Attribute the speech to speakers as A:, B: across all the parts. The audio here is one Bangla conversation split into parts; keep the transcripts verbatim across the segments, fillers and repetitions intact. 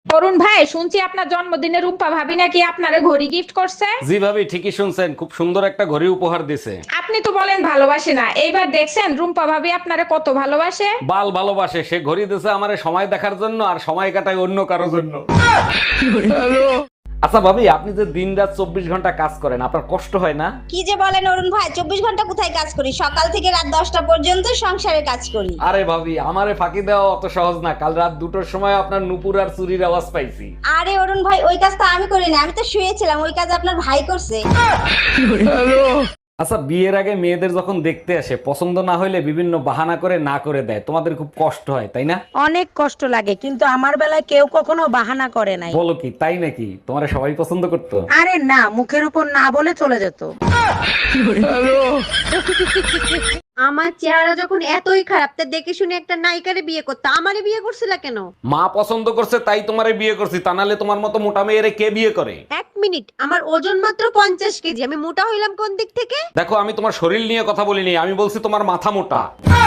A: অরুণ ভাই, শুনছি আপনার জন্মদিনে রূপা ভাবি নাকি আপনারে ঘড়ি গিফট করছে।
B: জি ভাবি, ঠিকই শুনছেন, খুব সুন্দর একটা ঘড়ি উপহার দিছে।
A: আপনি তো বলেন ভালোবাসে না, এইবার দেখছেন রুম্পা ভাবি আপনারে কত ভালোবাসে।
B: বাল ভালোবাসে, সে ঘড়ি দিছে আমারে সময় দেখার জন্য, আর সময় কাটায় অন্য কারোর জন্য। আচ্ছা ভাবি, আপনি যে দিন রাত চব্বিশ ঘন্টা কাজ করেন, আপনার কষ্ট হয় না?
C: কি যে বলেন অরুণ ভাই, চব্বিশ ঘন্টা কোথায় কাজ করি? সকাল থেকে রাত দশটা পর্যন্ত সংসারে কাজ করি।
B: আরে ভাবি, আমারে ফাঁকি দেওয়া অত সহজ না। কাল রাত দুটোর সময় আপনার নুপুর আর চুরির আওয়াজ পাইছি।
C: আরে অরুণ ভাই, ওই কাজ তো আমি করি না, আমি তো শুয়েছিলাম। ওই কাজ আপনার ভাই করছে।
B: আচ্ছা, বিয়ের আগে মেয়েদের যখন দেখতে আসে, পছন্দ না হইলে বিভিন্ন বাহানা করে না করে দেয়, তোমাদের খুব কষ্ট হয় তাই না?
D: অনেক কষ্ট লাগে, কিন্তু আমার বেলায় কেউ কখনো বাহানা করে নাই।
B: বলো কি, তাই নাকি? তোমারে সবাই পছন্দ করতো?
D: আরে না, মুখের উপর না বলে চলে যেত।
E: আমার চেহারা যখন এতই খারাপ, তা দেখে শুনে একটা নায়িকারে বিয়ে করতে আমারে বিয়ে করছিলা কেন?
B: মা পছন্দ করছে তাই তোমারে বিয়ে করছি, তা নাহলে তোমার মতো মোটা মেয়েরে কে বিয়ে করে?
E: এক মিনিট, আমার ওজন মাত্র পঞ্চাশ কেজি, আমি মোটা হইলাম কোন দিক থেকে?
B: দেখো, আমি তোমার শরীর নিয়ে কথা বলিনি, আমি বলছি তোমার মাথা মোটা।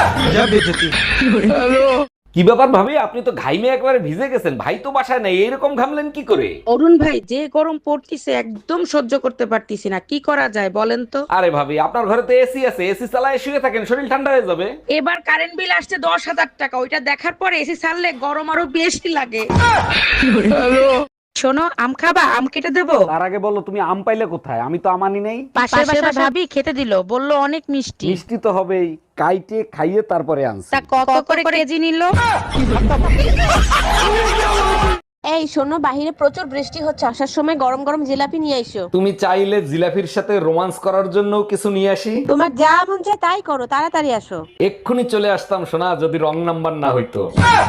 B: কি ব্যাপার ভাবি, আপনি তো ঘাইমে একবারে ভিজে গেছেন, ভাই তো বাসায় নাই, এরকম ঘামলেন কি করে?
D: অরুণ ভাই, যে গরম পড়তিছে একদম সহ্য করতে পারতিছি না, কি করা যায় বলেন তো?
B: আরে ভাবি, আপনার ঘরে তো এসি আছে, এসি চালায় শুয়ে থাকেন, শরীর ঠান্ডা হয়ে যাবে।
D: এবার কারেন্ট বিল আসছে দশ হাজার টাকা, ওইটা দেখার পরে এসি ছাড়লে গরম আরো বেশি লাগে। শোনো, আম খাবা? আম কেটে দেবো?
B: তার আগে বলো, তুমি আম পাইলে কোথায়? আমি তো আমানি নেই।
D: পাশের বাসার ভাবি খেতে দিল, বললো অনেক মিষ্টি।
B: মিষ্টি তো হবেই, কাইটে খাইয়ে তারপরে আনছি।
D: তা কত করে কেজি নিল?
E: এই শোনো, বাহিরে প্রচুর বৃষ্টি হচ্ছে, আসার সময় গরম গরম জিলাপি নিয়ে আইসো।
B: তুমি চাইলে জিলাফির সাথে রোমান্স করার জন্য কিছু নিয়ে আসি।
E: তোমার যা মন চায় তাই করো, তাড়াতাড়ি আসো।
B: এক্ষুনি চলে আসতাম সোনা, যদি রং নাম্বার না হইতো।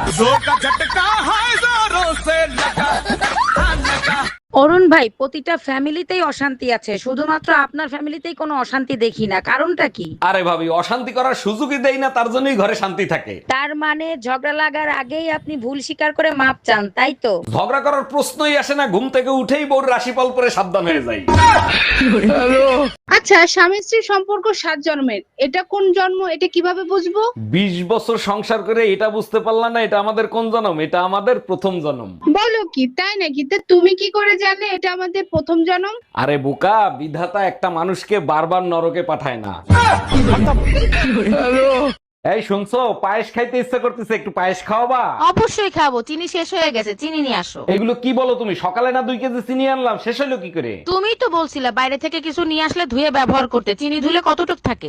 D: অরুণ ভাই, প্রতিটা ফ্যামিলিতেই অশান্তি আছে, শুধুমাত্র আপনার ফ্যামিলিতেই কোনো অশান্তি দেখি না, কারণটা কি?
B: আরে ভাবি, অশান্তি করার সুযোগই দেই না, তার জন্যই ঘরে শান্তি থাকে।
D: তার মানে ঝগড়া লাগার আগেই আপনি ভুল স্বীকার করে মাপ চান, তাই তো?
B: ঝগড়া করার প্রশ্নই আসে না, ঘুম থেকে উঠেই বউর রাশিফল পরে সাবধান হয়ে যাই।
F: আচ্ছা, স্বামী স্ত্রীর সম্পর্ক সাত জন্মের, এটা কোন জন্ম, এটা কিভাবে বুঝবো?
B: বিশ বছর সংসার করে এটা বুঝতে পারলাম না, এটা আমাদের কোন জন্ম? এটা আমাদের প্রথম জন্ম।
F: বলো কি, তাই নাকি? তা তুমি কি করে জানলে এটা আমাদের প্রথম জন্ম?
B: আরে বোকা, বিধাতা একটা মানুষকে বারবার নরকে পাঠায় না। এই শুনছো, পায়েস খাইতে ইচ্ছা করতেছে, একটু পায়েস খাওয়াবা?
D: অবশ্যই খাবো, চিনি শেষ হয়ে গেছে, চিনি নিয়ে আসো।
B: এগুলো কি বলো তুমি? সকালে না দুই কেজি চিনি আনলাম, শেষ হলো কি করে?
D: তুমিই তো বলছিলে বাইরে থেকে কিছু নিয়ে আসলে ধুয়ে ব্যবহার করতে, চিনি ধুলে কতটুক থাকে?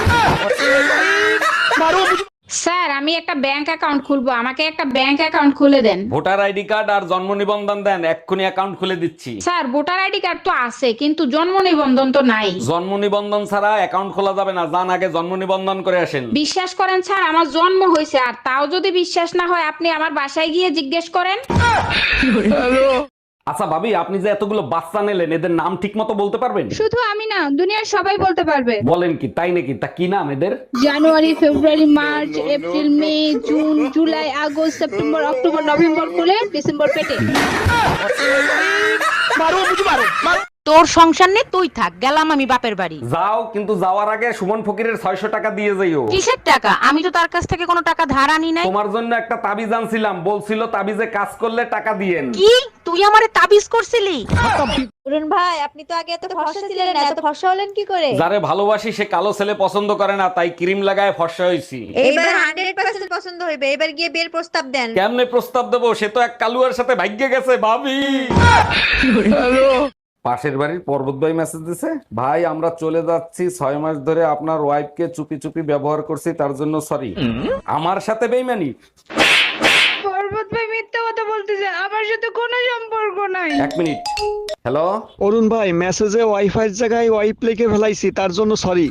A: স্যার, আমি একটা ব্যাংক অ্যাকাউন্ট খুলবো, আমাকে একটা ব্যাংক অ্যাকাউন্ট খুলে দেন।
B: ভোটার আইডি কার্ড আর জন্ম নিবন্ধন দেন, এক্ষুনি অ্যাকাউন্ট খুলে দিচ্ছি।
A: স্যার, ভোটার আইডি কার্ড তো আছে, কিন্তু জন্ম নিবন্ধন তো নাই।
B: জন্ম নিবন্ধন ছাড়া অ্যাকাউন্ট খোলা যাবে না, যান আগে জন্ম নিবন্ধন করে আসেন।
A: বিশ্বাস করেন স্যার, আমার জন্ম হয়েছে, আর তাও যদি বিশ্বাস না হয় আপনি আমার বাসায় গিয়ে জিজ্ঞেস করেন।
B: আচ্ছা ভাবি, আপনি যে এতগুলো বাচ্চা নিলেন, এদের নাম ঠিক মতো বলতে পারবেন?
F: শুধু আমি না, দুনিয়ার সবাই বলতে পারবে।
B: বলেন কি, তাই নাকি? তা কি নাম এদের?
F: জানুয়ারি, ফেব্রুয়ারি, মার্চ, এপ্রিল, মে, জুন, জুলাই, আগস্ট, সেপ্টেম্বর, অক্টোবর, নভেম্বর করে ডিসেম্বর পেটে।
D: তোর সংসার নেই, তুই থাক, গেলাম আমি বাপের বাড়ি।
B: যাও, কিন্তু যাওয়ার আগে সুমন ফকিরের ছয়শো টাকা দিয়ে যাইও।
D: কিসের টাকা? আমি তো তার কাছ থেকে কোনো টাকা ধার আনি নাই।
B: তোমার জন্য একটা তাবিজ আনছিলাম, বলছিল তাবিজে কাজ করলে টাকা দিয়েন।
D: কি, তুই আমারে তাবিজ করছিলি?
E: অরুণ ভাই, আপনি তো আগে এত ফর্সা ছিলেন না, এত ফর্সা হলেন কি করে?
B: যারে ভালোবাসি সে কালো ছেলে পছন্দ করে না, তাই ক্রিম লাগায় ফর্সা হইছি।
E: এইবার হান্ড্রেড পার্সেন্ট পছন্দ হইবে, এবার গিয়ে বিয়ের প্রস্তাব দেন।
B: কেমনে প্রস্তাব দেবো? সে তো এক কালুয়ার সাথে ভাগ্যে গেছে ভাবি। পাশের বাড়ির পর্বত ভাই মেসেজ দিছে, ভাই আমরা চলে যাচ্ছি, ছয় মাস ধরে আপনার ওয়াইফকে চুপি চুপি ব্যবহার করছি, তার জন্য সরি। আমার সাথে বেইমানি?
F: পর্বত ভাই মিথ্যা কথা বলতেছে, আমার সাথে কোনো সম্পর্ক নাই।
B: এক মিনিট। হ্যালো
G: অরুণ ভাই, মেসেজে ওয়াইফাই জায়গায় ওয়াইপ লিখে ফেলাইছি, তার জন্য sorry.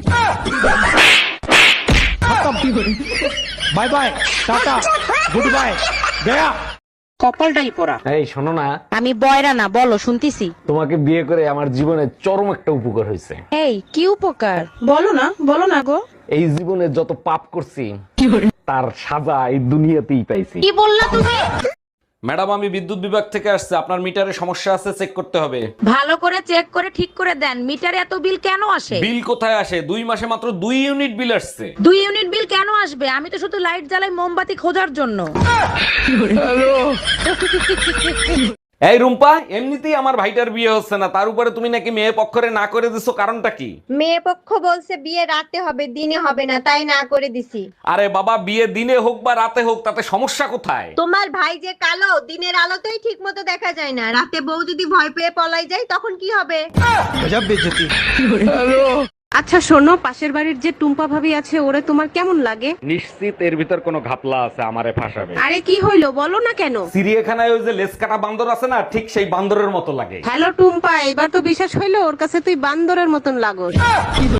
G: Bye bye, tata, good bye, গয়া।
D: কপালটাই পড়া।
B: এই শোনো না,
D: আমি বয়রা না, বলো শুনতিছি।
B: তোমাকে বিয়ে করে আমার জীবনে চরম একটা উপকার হয়েছে।
D: এই কি উপকার? বলো না, বলো না গো।
B: এই জীবনে যত পাপ করছি তার সাজা এই দুনিয়াতেই পাইছি।
D: কি বললা তুমি?
B: ম্যাডাম আমি বিদ্যুৎ বিভাগ থেকে আসছে, আপনার মিটারে সমস্যা আছে, চেক করতে হবে।
D: ভালো করে চেক করে ঠিক করে দেন, মিটারে এত বিল কেন আসে?
B: বিল কোথায় আসে? দুই মাসে মাত্র দুই ইউনিট বিল আসছে।
D: দুই ইউনিট বিল কেন আসবে? আমি তো শুধু লাইট জ্বালাই মোমবাতি খোঁজার জন্য।
B: এই রুম্পা, এমনিতেই আমার ভাইটার বিয়ে হচ্ছে না, তার উপরে তুমি নাকি মেয়ে পক্ষরে না করে দিছো, কারণটা কি?
E: মেয়ে পক্ষ বলছে বিয়ে রাতে হবে, দিনে হবে না, তাই না করে দিছি।
B: আরে বাবা, বিয়ে দিনে হোক বা রাতে হোক, তাতে সমস্যা কোথায়?
E: তোমার ভাই যে কালো, দিনের আলোতেই ঠিক মতো দেখা যায় না, রাতে বউ যদি ভয় পেয়ে পলাই যায় তখন কি হবে?
H: আচ্ছা শোনো, পাশের বাড়ির যে টুম্পা ভাবি আছে ওরে তোমার কেমন লাগে?
B: নিশ্চিত এর ভিতর কোনো ঘাপলা আছে, আমারে ফাঁসাবে।
H: আরে কি হইলো বলো না কেন?
B: চিড়িয়াখানায় ওই যে লেজ কাটা বান্দর আছে না, ঠিক সেই বান্দরের মতো লাগে।
H: হ্যালো টুম্পা, এবার তো বিশ্বাস হইলো ওর কাছে তুই বান্দরের মতন লাগোস।